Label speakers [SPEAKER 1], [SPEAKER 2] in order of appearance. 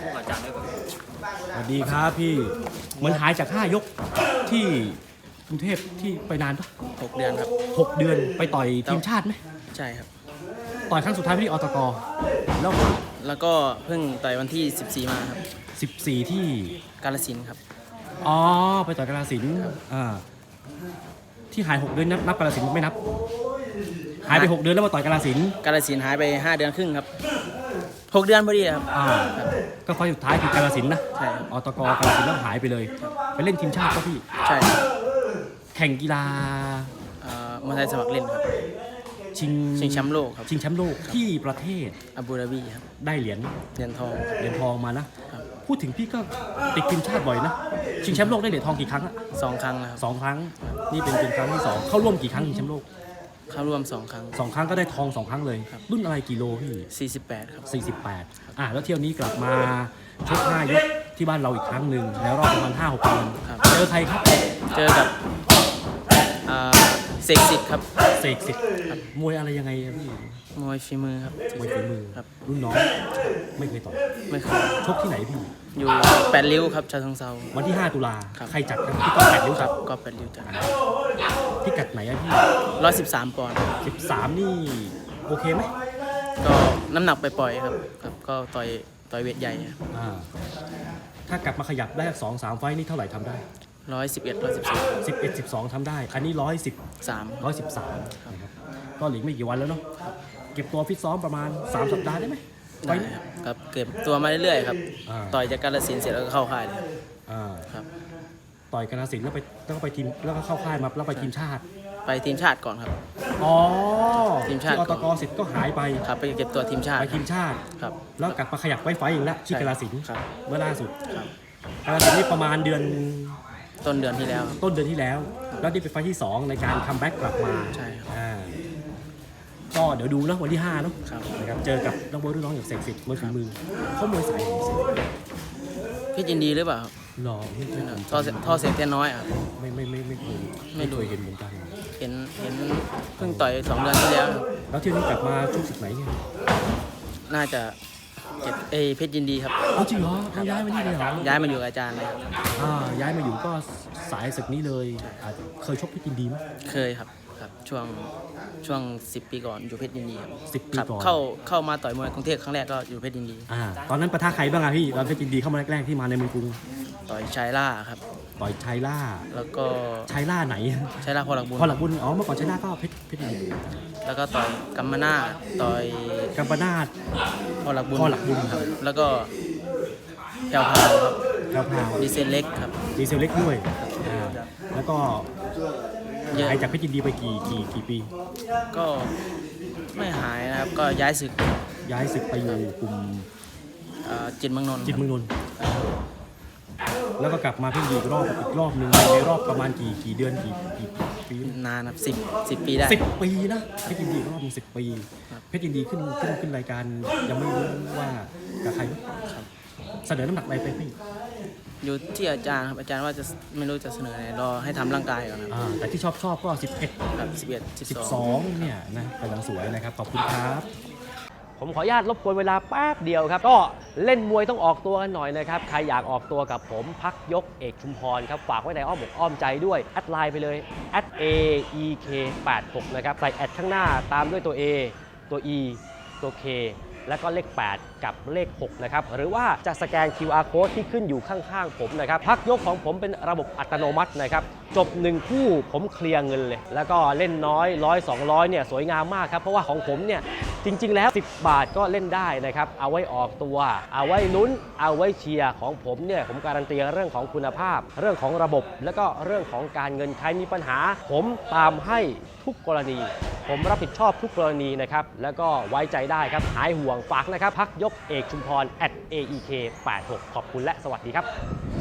[SPEAKER 1] คู่กับอาจารย์ด้วยครับ
[SPEAKER 2] สวัสดีครับพี่เหมือนหายจาก5 ยกที่กรุงเทพที่ไปนานปะ
[SPEAKER 1] 6 เดือนครับ
[SPEAKER 2] 6 เดือนไปต่อยทีมชาติไหม
[SPEAKER 1] ใช่ครับ
[SPEAKER 2] ต่อยครั้งสุดท้ายที่อตกแล้ว
[SPEAKER 1] แล้วก็เพิ่งต่อยวันที่14มาครับ
[SPEAKER 2] 14ที่
[SPEAKER 1] กาฬสินธุ์ครับ
[SPEAKER 2] อ๋อไปต่อยกาฬสินธุ์ที่หาย6 เดือนนับกาฬสินธุ์ไม่นับหายไป6 เดือนแล้วมาต่อยกาฬสินธุ์
[SPEAKER 1] กาฬสินธุ์หายไป5 เดือนครึ่งครับ6 เดือนพอดีครับ ครับ
[SPEAKER 2] ก็ไฟล์สุดท้ายคือกาฬสินธุ์นะ
[SPEAKER 1] ใช่ครับ
[SPEAKER 2] อตกกาฬสินธุ์แล้วหายไปเลยไปเล่นทีมชาติก็พี่
[SPEAKER 1] ใช่ครับ
[SPEAKER 2] แข่งกีฬา
[SPEAKER 1] มวยไทยสมัครเล่นครับ
[SPEAKER 2] ชิง
[SPEAKER 1] ชิงแชมป์โลกครับ
[SPEAKER 2] ชิงแชมป์โลกที่ประเทศ
[SPEAKER 1] อาบูดาบีครับ
[SPEAKER 2] ได้เหรียญ
[SPEAKER 1] เหรียญทอง
[SPEAKER 2] มานะ
[SPEAKER 1] ครับ
[SPEAKER 2] พูดถึงพี่ก็ติดทีมชาติบ่อยนะ ชิงแชมป์โลกได้เหรียญทองกี่ครั้งอะ
[SPEAKER 1] 2 ครั้งนะครับ
[SPEAKER 2] 2 ครั้ง นี่เป็นครั้งที่ 2 เข้าร่วมกี่ครั้งชิงแชมป์โลก
[SPEAKER 1] เข้าร่วม2 ครั้ง
[SPEAKER 2] 2 ครั้งก็ได้ทอง 2 ครั้งเลย
[SPEAKER 1] ครับ
[SPEAKER 2] รุ่นอะไรกิโลพี่
[SPEAKER 1] 48 ครับ
[SPEAKER 2] 48แล้วเที่ยวนี้กลับมาชก5 ยกที่บ้านเราอีกครั้งหนึ่งแล้วรอบประมาณ5-6 เดือน
[SPEAKER 1] ครับ
[SPEAKER 2] เจอใครครับ
[SPEAKER 1] เจอกับเสกสิทธิ์ครับ
[SPEAKER 2] เสกสิทธิ์มวยอะไรยังไงอะพี่
[SPEAKER 1] มวยฝีมือครับ
[SPEAKER 2] มวยฝีมือ
[SPEAKER 1] ครับ
[SPEAKER 2] รุ่นน้องไม่เคยต่อย
[SPEAKER 1] ไม่เคย
[SPEAKER 2] ชกที่ไหนพี่
[SPEAKER 1] อยู่8 ริ้วครับชาเชิงเทรา
[SPEAKER 2] วันที่ 5 ตุลา
[SPEAKER 1] ครับ
[SPEAKER 2] ใครจัดครับพี่ก็8 ริ้ว
[SPEAKER 1] ค
[SPEAKER 2] ค
[SPEAKER 1] รั
[SPEAKER 2] รั
[SPEAKER 1] บบ ก็8 ริ้วจ้ะ
[SPEAKER 2] พี่กัดไหนอะพี่
[SPEAKER 1] 113 ปอนด์
[SPEAKER 2] 13 นี่โอเคไหม
[SPEAKER 1] ก็น้ำหนักไปปล่อยครับครับ ก็ต่อยเวทใหญ่ครับ
[SPEAKER 2] ถ้ากลับมาขยับได้2-3 ไฟต์นี่เท่าไหร่ทำได้
[SPEAKER 1] 111
[SPEAKER 2] 11-12ทำได้ อันนี้113
[SPEAKER 1] 113
[SPEAKER 2] นะครับก็เหลือไม่กี่วันแล้วเนาะเก็บตัวฟิตซ้อมประมาณ3 สัปดาห์ได้ไหมไฟ
[SPEAKER 1] ได้
[SPEAKER 2] ต์นี้
[SPEAKER 1] ครับครับเก็บตัวมาเรื่อยๆครับ
[SPEAKER 2] อ่า
[SPEAKER 1] ต่อยจากกาฬสินธุ์เสร็จแล้วก็เข้าค่ายเลย
[SPEAKER 2] อ่า
[SPEAKER 1] ครับ
[SPEAKER 2] ต่อยกาฬสินธุ์แล้วก็ไปทีมแล้วก็เข้าค่ายมาแล้วไปทีมชาติ
[SPEAKER 1] ไปทีมชาติก่อนครับ
[SPEAKER 2] อ๋อ
[SPEAKER 1] ทีมชาติ
[SPEAKER 2] ที่อตกเสร็จก็หายไป
[SPEAKER 1] ครับไปเก็บตัวทีมชาติ
[SPEAKER 2] ไปทีมชาติ
[SPEAKER 1] ครับ
[SPEAKER 2] แล้วกลับมาขยับไฟต์อีกแล้วที่
[SPEAKER 1] ใช่
[SPEAKER 2] กาฬสินธุ์
[SPEAKER 1] ครับ
[SPEAKER 2] เมื่อล่าสุด
[SPEAKER 1] ครับ
[SPEAKER 2] กาฬสินธุ์นี่ประมาณเดือน
[SPEAKER 1] ต้นเดือนที่แล้วครับ
[SPEAKER 2] ต้นเดือนที่แล้ว แล้วนี่เป็นไฟล์ที่ 2 ในการคัมแบ็กกลับมา
[SPEAKER 1] ใช่ครับ
[SPEAKER 2] ก็เดี๋ยวดูนะวันที่5เนาะ
[SPEAKER 1] ครับ
[SPEAKER 2] นะครับเจอกับน้องโบรุ่นน้องอย่างเสกสิทธิ์มวยฝีมือเขามวยสายไหนเสก
[SPEAKER 1] พี่ยินดีหรือเปล่าครับ
[SPEAKER 2] หล่อไม่เคย
[SPEAKER 1] ท่อเสียงเต้นน้อยอะครับ
[SPEAKER 2] ไม่เคย
[SPEAKER 1] ไม่รู้
[SPEAKER 2] เห็นเหมือนกัน
[SPEAKER 1] เห็นเพิ่งต่อย2 เดือนที่แล้วครับ
[SPEAKER 2] แล้วเที่ยวนี้กลับมาชุดสิบไหนเนี่ย
[SPEAKER 1] น่าจะเก็บเพชรยินดีครับ
[SPEAKER 2] เอาจริงเหรอเอาย้ายมานี่เลยเหรอ
[SPEAKER 1] ย้ายมาอยู่กับอาจารย์เลยครับ
[SPEAKER 2] ย้ายมาอยู่ก็สายศึกนี้เลยเคยชกเพชรยินดีไหม
[SPEAKER 1] เคยครับครับช่วง10 ปีก่อนอยู่เพชรยินดีครับ
[SPEAKER 2] 10 ปี
[SPEAKER 1] ครับ
[SPEAKER 2] ก่อน
[SPEAKER 1] เข้ามาต่อยมวยกรุงเทพครั้งแรกก็อยู่เพชรยินดี
[SPEAKER 2] ตอนนั้นปะทะใครบ้างอะพี่ตอนเพชรยินดีเข้ามาแรกๆที่มาในเมืองกรุง
[SPEAKER 1] ต่อยชายล่าครับ
[SPEAKER 2] ต่อยชัยล่า
[SPEAKER 1] แล้วก็
[SPEAKER 2] ชัยล่าไหน
[SPEAKER 1] ชายล่าพอหลักบุญ
[SPEAKER 2] พอหลักบุญอ๋อเมื่อก่อนชัยล่าก็เพชรยินดี
[SPEAKER 1] แล้วก็ต่อยกัมมานาต่อย
[SPEAKER 2] กัมปนาท
[SPEAKER 1] พอหลักบุญ
[SPEAKER 2] พอหลักบุญ
[SPEAKER 1] ครับแล้วก็แถวพาวครับ
[SPEAKER 2] แถวพราว
[SPEAKER 1] ดีเซลเล็กครับ
[SPEAKER 2] ดีเซลเล็กด้วยแล้วก็
[SPEAKER 1] เยอะ
[SPEAKER 2] หายจากเพชรยินดีไปกี่ปี
[SPEAKER 1] ก็ไม่หายนะครับก็ย้ายศึก
[SPEAKER 2] ย้ายศึกไปอยู่กลุ่ม
[SPEAKER 1] จิตรเมืองนนท์
[SPEAKER 2] จิตรเมืองนนท์แล้วก็กลับมาเพชรยินดีอีกรอบหนึ่งในรอบประมาณกี่เดือนกี่ปี
[SPEAKER 1] นานครับ10 ปีได้
[SPEAKER 2] 10 ปีนะเพชรยินดีอีกรอบหนึง10 ปี
[SPEAKER 1] ครับ
[SPEAKER 2] เพชรยินดีขึ้นรายการยังไม่รู้ว่ากับใครเสนอน้ำหนักอะไรไปพี่
[SPEAKER 1] อยู่ที่อาจารย์ครับอาจารย์ว่าจะไม่รู้จะเสนออะไรรอให้ทำร่างกายก่อนครับ
[SPEAKER 2] แต่ที่ชอบก็11
[SPEAKER 1] ครับ11 12
[SPEAKER 2] 12เนี่ยนะกำลังสวยนะครับขอบคุณครับ
[SPEAKER 3] ผมขออนุญาตรบกวนเวลาแป๊บเดียวครับ ก็เล่นมวยต้องออกตัวกันหน่อยนะครับ ใครอยากออกตัวกับผมพักยกเอกชุมพรครับ ฝากไว้ในอ้อมอกอ้อมใจด้วย แอดไลน์ไปเลย @aek86 นะครับ ใส่แอดข้างหน้าตามด้วยตัว A ตัว E ตัว K แล้วก็เลข 8 กับเลข 6 นะครับ หรือว่าจะสแกน QR code ที่ขึ้นอยู่ข้างๆผมนะครับ พักยกของผมเป็นระบบอัตโนมัตินะครับ จบ 1 คู่ผมเคลียร์เงินเลย แล้วก็เล่นน้อย100 200เนี่ยสวยงามมากครับ เพราะว่าของผมเนี่ยจริงๆแล้ว 10 บาทก็เล่นได้นะครับ เอาไว้ออกตัว เอาไว้ลุ้น เอาไว้เชียร์ของผมเนี่ยผมการันตีเรื่องของคุณภาพ เรื่องของระบบ แล้วก็เรื่องของการเงินใครมีปัญหา ผมตามให้ทุกกรณี ผมรับผิดชอบทุกกรณีนะครับ แล้วก็ไว้ใจได้ครับ หายห่วงฝากนะครับ พักยกเอกชุมพร @aek86 ขอบคุณและสวัสดีครับ